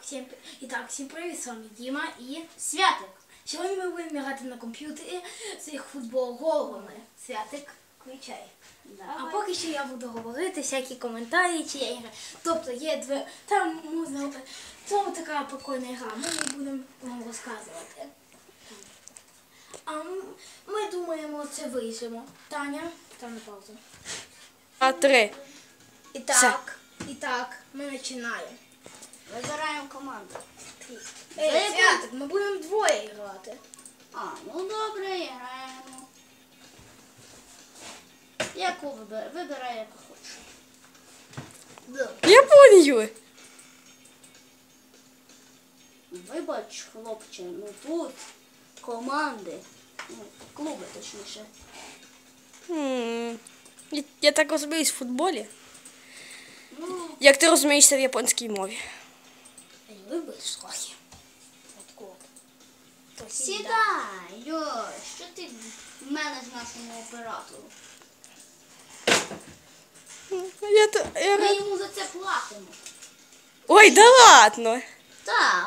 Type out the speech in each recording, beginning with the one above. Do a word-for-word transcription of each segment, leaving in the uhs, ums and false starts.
всім, і так, всім привіт, з вами Діма і Святик. Сьогодні ми будемо грати на комп'ютері з їх футбол головами. Святик, включай. Давай. А поки що я буду говорити всякі коментарі, чи я ігра. Тобто є дві, там можна, це така прикольна гра, ми не будемо вам розказувати. А ми думаємо, це вийдемо. Таня, там на паузу. А три. І так, і так, ми починаємо. Вибираємо команду. Ей, Святик, ми будемо двоє грати. А, ну добре, граємо. Яку вибирай? Вибирай, яку хочеш. Японію. Вибач, хлопче, ну тут команди, ну, клуби точніше. М, Я, я так розуміюсь в футболі. Ну, Як ти розумієшся в японській мові? Вибереш трохи. Отко. сідай, йой, що ти в мене з нашому оператору? Я, то- я... Ми йому за це платимо. Ой, да ладно. Так.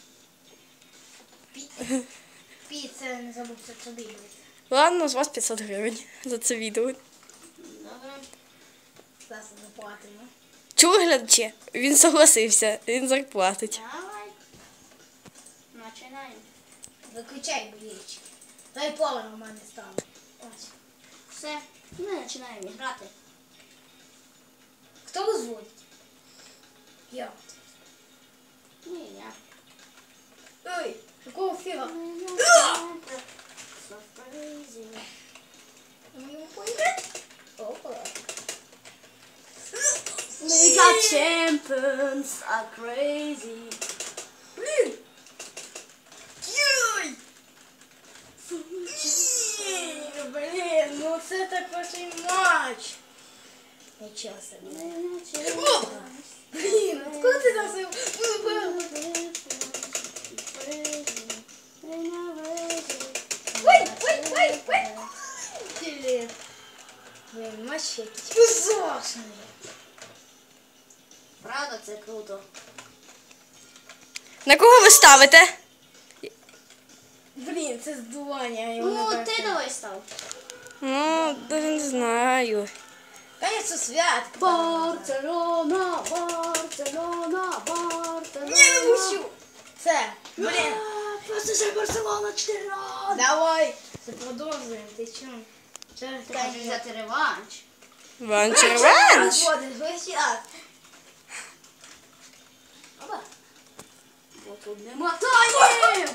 Пі, це не забудь, це тобі буде. Ладно, з вас п'ятсот гривень за це відео. Добре. Зараз заплатимо. Чули, глядачі? Він согласився, він зарплатить. Давай. Починаємо. Виключай болічки. Дай поле у мене стало. Ось. Все, ми починаємо грати. Хто розводить? Я. Ні, я. Ой, якого фіга? Ми його поїхали? Опа. Liga Champions are crazy. Блін! Йой! Ні, блін, ну це такий матч. Нічого собі. Опа! Блін, откуда ти нас вибив? Ой, ой, ой, ой! Блін. Блін, матч якийсь ужасний. Правда, це круто. На кого ви ставите? Блін, це здування. я його не Ну, бачу. ти давай став. Ну, даже не знаю. Конечно, свят. Барселона, Барселона, Барселона. Ні, не пущу. Це, блін. Просто же Барселона чотири ноль. Давай. Це продовжуємо. Ти чому? Через Ти хочеш взяти реванш? Ван червенч. Розводиш, весь час. Опа. Бо тут нема таймів.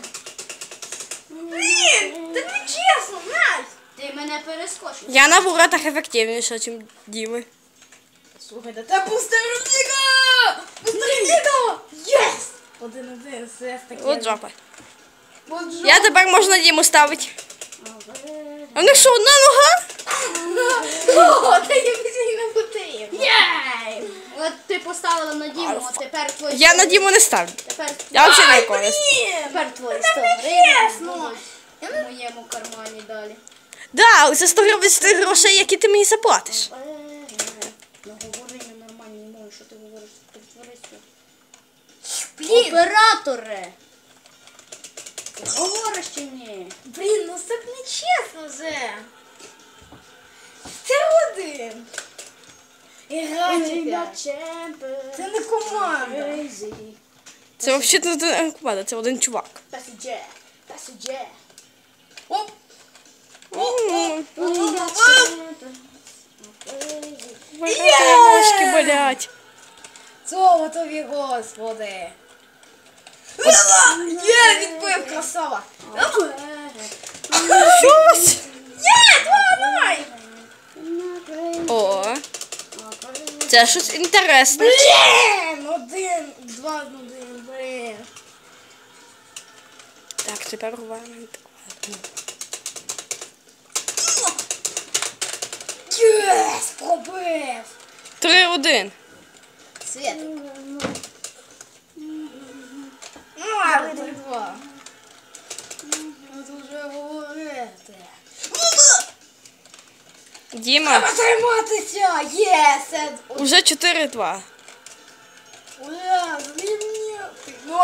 Блін, це не чесно, Настя. Ти мене перескочив. Я на воротах ефективніша, ніж Діми. Слухай, да це пустерніка! Пустерніка! Єс! Один-один, все таке. От жопа. От жопа. Я тепер можна Діму ставити. А в них що, одна нога? О, та я більше не потрібно. Єй! От ти поставила на Діму, а тепер твої... Я на Діму не ставлю. Тепер, Я взагалі не користь. тепер твої Та сто не гривень чесно. будуть в моєму кармані далі. Да, це сто гривень з тих грошей, які ти мені заплатиш. Ну говори на нормальній мові, що ти говориш, притворися. Блін, Операторе! Ти говориш чи ні? блін, ну це не чесно вже. Це один. Іграйте. Це не команда. Це взагалі не один команда, це один чувак. Пасіджер, пасіджер. Оп. М, Є! Ножки болять. Слава тобі, Господи. Є, відбив, красава. Щось. Є, давай. О, це щось інтересне. Блін, один, два, один, блін. Так, тепер рваємо. Єс, пробив. Три один. Свет. Ну, а ви три два. Ну, тут вже говорити. Діма, Треба триматися! Єс! уже чотири два. Ура! Звільнити! Ну,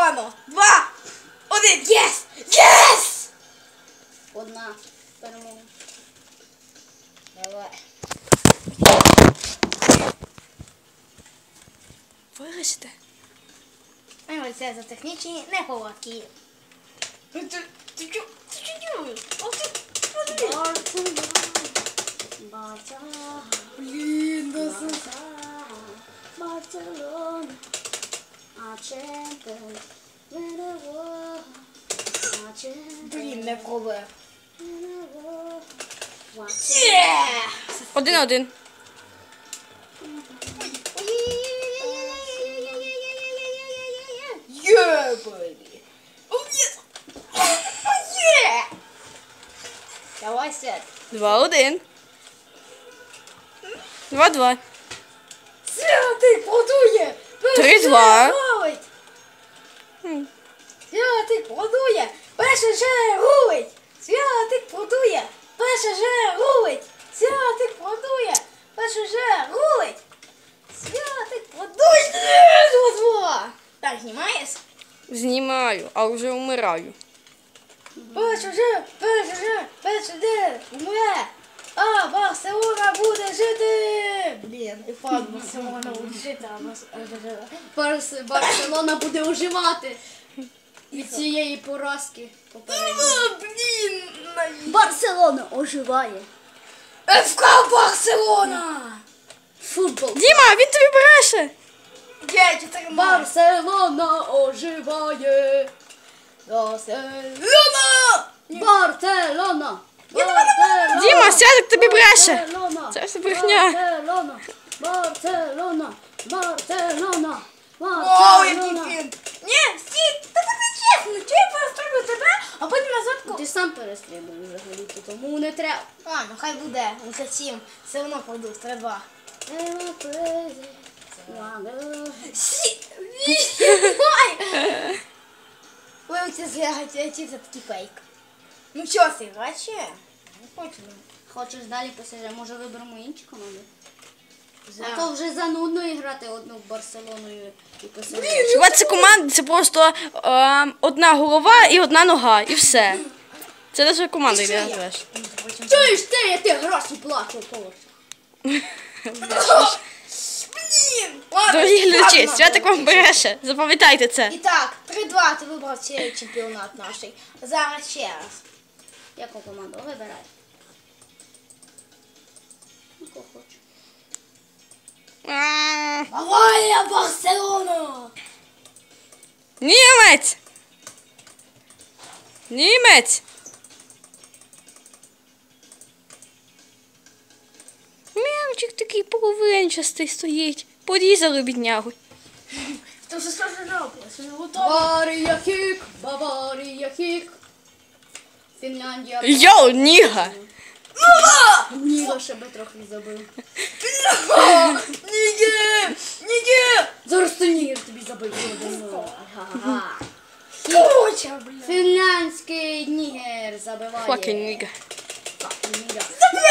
затримується за технічні неполадки. Ти ти чо? Ти чо? Ох ти, Барселона. Барселона. блін, да Барселона. А чемпіон. Виново. А чемпіон. Блін, не пробує. Виново. Є! Один-один. Є, бейбі! О, єс! Є! Давай, Свят. Два-один. Два-два. Святик продує! Три-два. Рулить! Хм. Святик продує! Перше же рулить! Святик продує! Перше же рулить! Святик продує! Перше же рулить! Святик продує! Два-два! Так, знімаєш? Знімаю, а вже вмираю. Перше же, перше же, перше же умре! А Барселона буде жити! Блін, і факт Барселона буде жити, а Барс- Барс- Барселона буде оживати від цієї поразки попередньої. А, блін! Барселона оживає. еф ка Барселона! Футбол. Діма, він тобі бреше. Я чотири Барселона оживає. Барселона! Барселона. Діма, Святик тобі бреше. Барселона. Це все брехня. Барселона. Барселона. Барселона. Вау, який Барселона. фін! Ні, стій, та це не чесно, чи я перестрибую тебе, а потім назад ко... Ти сам перестрибуєш взагалі, тому не треба. Ладно, хай буде, за сім, все одно пройду, три-два. Сі, вісім, ой! Ви оці злягаті, ці це такий фейк. Ну що, ти граче? Не хочу. Хочеш далі посидіти? Може виберемо інші команди? За. А то вже занудно грати одну Барселоною і посидіти. Хіба це команда, це просто е, одна голова і одна нога, і все. Це лише команда, І що як я? називаєш. Чуєш ти, я ти гроші плачу, Полош. Блін! Ладно, Дорогі глядачі, ладно, Святик ладно. вам бреше. Запам'ятайте це. І так, три-два, ти вибрав цей чемпіонат наш. Зараз ще раз. Яку команду? Вибирай. Ну, кого хочеш. А, Давай, Барселона! Німець! Німець! М'явчик такий половинчастий стоїть. Порізали біднягу. Ти вже що ж робиш? Не готовий? Баварія хік, Баварія хік. Фінляндія. Йоу, ніга! Ніго ще би трохи забив. Ніге! Ніге! Зараз то Нігер тобі забив. Ага. Куча, блін. Фінляндський Нігер забиває. Fucking ніга. Fucking Ніга.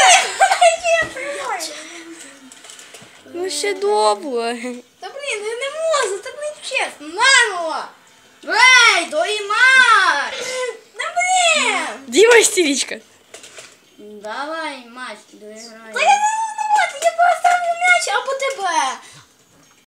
Ну ще добре. Та блін, я не можу, так не чесно. Наново! Ей, доїмар! Та блін! Діма істеричка. Давай, матч, доіграй. Та я не можу, я поставлю м'яч або тебе.